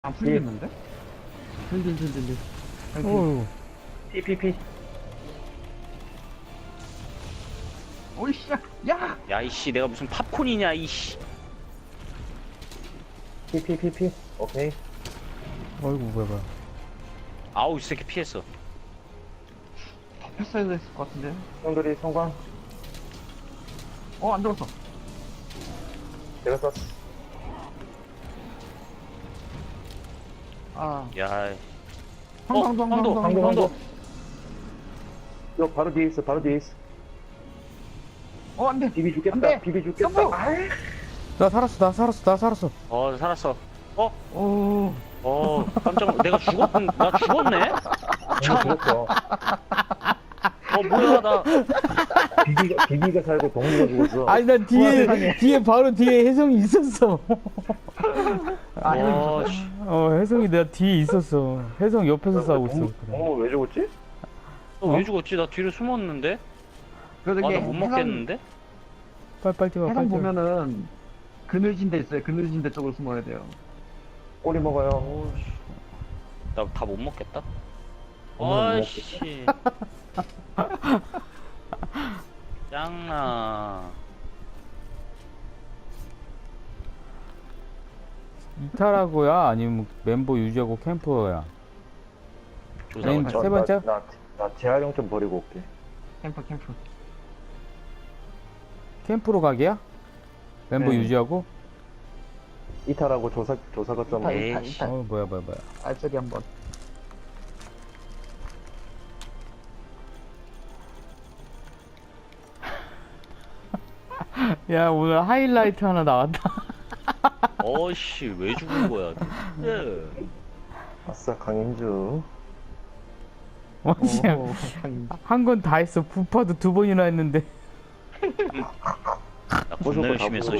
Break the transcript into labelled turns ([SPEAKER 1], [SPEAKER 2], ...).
[SPEAKER 1] 안 풀리겠는데?
[SPEAKER 2] 든든든든든.
[SPEAKER 1] 어휴.
[SPEAKER 3] PPP.
[SPEAKER 1] 오이씨, 야!
[SPEAKER 4] 야 이씨 내가 무슨 팝콘이냐 이씨.
[SPEAKER 3] PPPP. 오케이.
[SPEAKER 2] 어이구, 뭐야.
[SPEAKER 4] 아우 이 새끼 피했어.
[SPEAKER 1] 덮였어야 됐을 것 같은데.
[SPEAKER 3] 형들이 성광.
[SPEAKER 1] 안 들었어.
[SPEAKER 3] 내가 쐈어.
[SPEAKER 1] 아,
[SPEAKER 4] 야.
[SPEAKER 1] 황도.
[SPEAKER 3] 너 바로 뒤에 있어. 바로 뒤에 있어.
[SPEAKER 1] 안 돼.
[SPEAKER 3] 비비 죽겠다.
[SPEAKER 1] 안 돼.
[SPEAKER 3] 비비 죽겠다.
[SPEAKER 1] 성광!
[SPEAKER 3] 아이.
[SPEAKER 2] 나 살았어.
[SPEAKER 4] 살았어.
[SPEAKER 1] 오,
[SPEAKER 4] 깜짝 내가 나 죽었네?
[SPEAKER 3] 죽었어.
[SPEAKER 4] 뭐야 나.
[SPEAKER 3] 비비가 살고 동료가 죽었어.
[SPEAKER 2] 아니, 난 바로 뒤에 혜성이 있었어.
[SPEAKER 4] 씨.
[SPEAKER 2] 혜성이 내가 뒤에 있었어. 혜성 옆에서 싸우고 있어. 그래.
[SPEAKER 3] 왜 죽었지?
[SPEAKER 4] 너 왜 죽었지? 나 뒤로 숨었는데?
[SPEAKER 1] 그래도
[SPEAKER 4] 나
[SPEAKER 1] 이게
[SPEAKER 4] 못 먹겠는데?
[SPEAKER 2] 빨리 뛰어.
[SPEAKER 1] 해상 보면은 그늘진 데 있어요. 그늘진 데 쪽으로 숨어야 돼요.
[SPEAKER 3] 꼬리 먹어요.
[SPEAKER 4] 나 다 못 먹겠다.
[SPEAKER 3] 오늘 못
[SPEAKER 4] 아이씨. 짱나.
[SPEAKER 2] 이탈하고야? 아니면 멤버 유지하고 캠프야?
[SPEAKER 4] 조사관.
[SPEAKER 2] 세 번째?
[SPEAKER 3] 나 재활용 좀 버리고 올게.
[SPEAKER 1] 캠프.
[SPEAKER 2] 캠프로 가기야? 멤버
[SPEAKER 3] 네.
[SPEAKER 2] 유지하고?
[SPEAKER 3] 이탈하고 조사 거점.
[SPEAKER 1] 이탈.
[SPEAKER 4] 에이씨.
[SPEAKER 2] 뭐야.
[SPEAKER 1] 알짜리 한번.
[SPEAKER 2] 야, 오늘 하이라이트 하나 나왔다.
[SPEAKER 4] 어이씨 왜 죽은 거야? 예.
[SPEAKER 3] 아싸 강인주.
[SPEAKER 2] 진짜 한 건 다 했어. 부파도 2번이나 했는데.
[SPEAKER 4] 나 겁나 열심히 했어.